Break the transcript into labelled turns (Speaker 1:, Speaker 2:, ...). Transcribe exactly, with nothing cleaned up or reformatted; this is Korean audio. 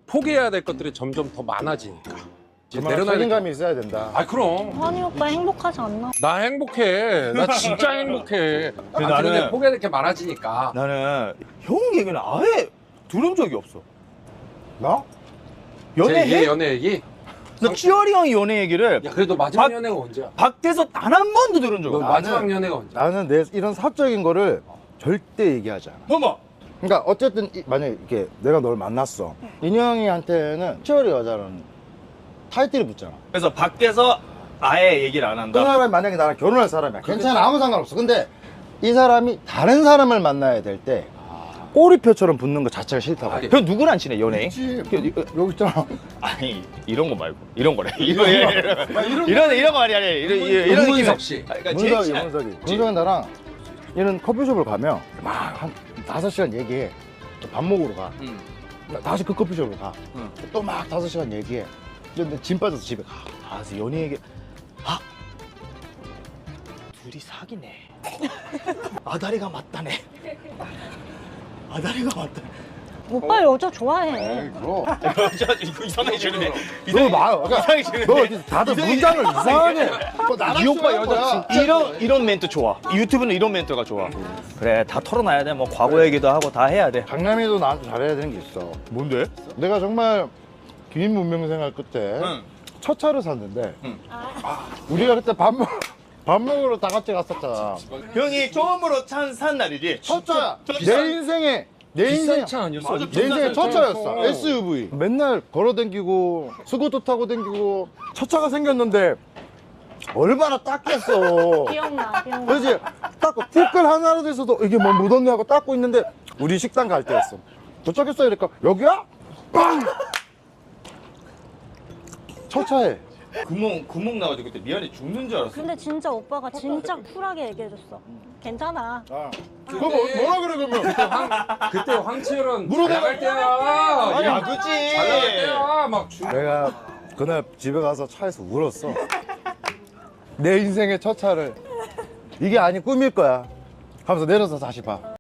Speaker 1: 포기해야 될 것들이 점점 더 많아지니까. 이제
Speaker 2: 정말
Speaker 1: 내려놔야
Speaker 2: 책임감이 있어야 된다.
Speaker 1: 아 그럼
Speaker 3: 환희 오빠 행복하지 않나?
Speaker 1: 나 행복해. 나 진짜 행복해. 아,
Speaker 4: 나는-
Speaker 1: 근데 포기해야 될 게 많아지니까.
Speaker 4: 나는 형 얘기는 아예 들은 적이 없어.
Speaker 2: 나?
Speaker 4: 연애
Speaker 1: 제 얘
Speaker 4: 해?
Speaker 1: 연애 얘기?
Speaker 4: 나 찌어리 형이 연애 얘기를
Speaker 1: 야 그래도 마지막
Speaker 4: 박-
Speaker 1: 연애가 언제야?
Speaker 4: 밖에서 단 한 번도 들은 적
Speaker 1: 너
Speaker 4: 없어.
Speaker 1: 마지막 연애가 언제야?
Speaker 2: 나는 내 이런 사적인 거를 절대 얘기하지 않아.
Speaker 4: 어머.
Speaker 2: 그러니까 어쨌든 이- 만약에 이렇게 내가 널 만났어. 인형이한테는 치어리 여자라는 타이틀이 붙잖아.
Speaker 4: 그래서 밖에서 아예 얘기를 안
Speaker 2: 그
Speaker 4: 한다.
Speaker 2: 사람이 만약에 나랑 결혼할 사람이야. 괜찮아. 아무 상관없어. 근데 이 사람이 다른 사람을 만나야 될 때 꼬리표처럼 붙는 거 자체가 싫다고.
Speaker 1: 아니,
Speaker 4: 형 누구랑 친해 연예인?
Speaker 2: 그치. 여기 있잖아.
Speaker 4: 아니 이런 거 말고 이런 거래. 이런 이런 이런 이런 거 아니야. 이런 이런 이런
Speaker 1: 문문석 씨.
Speaker 4: 아, 그러니까 제일
Speaker 2: 문석이,
Speaker 4: 친한-
Speaker 2: 문석이. 문석이 나랑 얘는 커피숍을 가면 막 한 다섯 시간 얘기해. 또 밥 먹으러 가.
Speaker 4: 응.
Speaker 2: 나 다시 그 커피숍으로 가.
Speaker 4: 응.
Speaker 2: 또 막 다섯 시간 얘기해. 근데 짐 빠져서 집에 가. 아, 그래서 연애 얘기. 아!
Speaker 4: 둘이 사귀네. 아다리가 맞다네. 아다리가 맞다.
Speaker 3: 오빠 여자 좋아해.
Speaker 2: 그럼.
Speaker 4: 여자 이거 이상해지네.
Speaker 2: 너 말, 그러니까
Speaker 4: 이상해지네.
Speaker 2: 너 이렇게 다들 문장을 이상하게. 뭐 나랑
Speaker 4: 이 오빠
Speaker 2: 싫어할 거야.
Speaker 4: 여자 이런 이런 멘트 좋아. 유튜브는 이런 멘트가 좋아. 그래 다 털어놔야 돼. 뭐 과거 얘기도 하고 다 해야 돼.
Speaker 2: 강남이도 나한테 잘해야 되는 게 있어.
Speaker 4: 뭔데?
Speaker 2: 내가 정말 긴 문명 생활 끝에
Speaker 4: 응.
Speaker 2: 첫 차를 샀는데
Speaker 4: 응.
Speaker 2: 아, 우리가 그때 밥 먹, 밥 먹으러 다 같이 갔었잖아.
Speaker 4: 형이 처음으로 차 산 날이지.
Speaker 2: 첫 차야.
Speaker 4: 첫
Speaker 2: 내
Speaker 4: 차.
Speaker 2: 인생에 내 인생
Speaker 1: 비싼 차 아니었어?
Speaker 4: 맞아,
Speaker 2: 내 인생의 첫 차였어.
Speaker 1: 어.
Speaker 2: 에스유브이. 맨날 걸어 댕기고 스쿠터 타고 댕기고 첫 차가 생겼는데 얼마나 닦였어.
Speaker 3: 기억나, 기억나.
Speaker 2: 그렇지. 닦고 티끌 하나라도 있어도 이게 뭐 묻었네 하고 닦고 있는데 우리 식당 갈 때였어. 도착했어 이러니까 여기야? 빵! 첫 차에
Speaker 4: 구멍 구멍 나가지고 그때 미안해 죽는 줄 알았어.
Speaker 3: 근데 진짜 오빠가 진짜 쿨하게 얘기해줬어. 괜찮아.
Speaker 2: 아, 그거 뭐, 뭐라 그래 그러면
Speaker 1: 그때 황치열은
Speaker 2: 물어내-
Speaker 1: 잘 나갈 때야.
Speaker 4: 아니,
Speaker 1: 이거
Speaker 4: 아, 그치.
Speaker 1: 잘 나갈 때야. 막 주...
Speaker 2: 내가 그날 집에 가서 차에서 울었어. 내 인생의 첫 차를 이게 아니 꿈일 거야 하면서 내려서 다시 봐.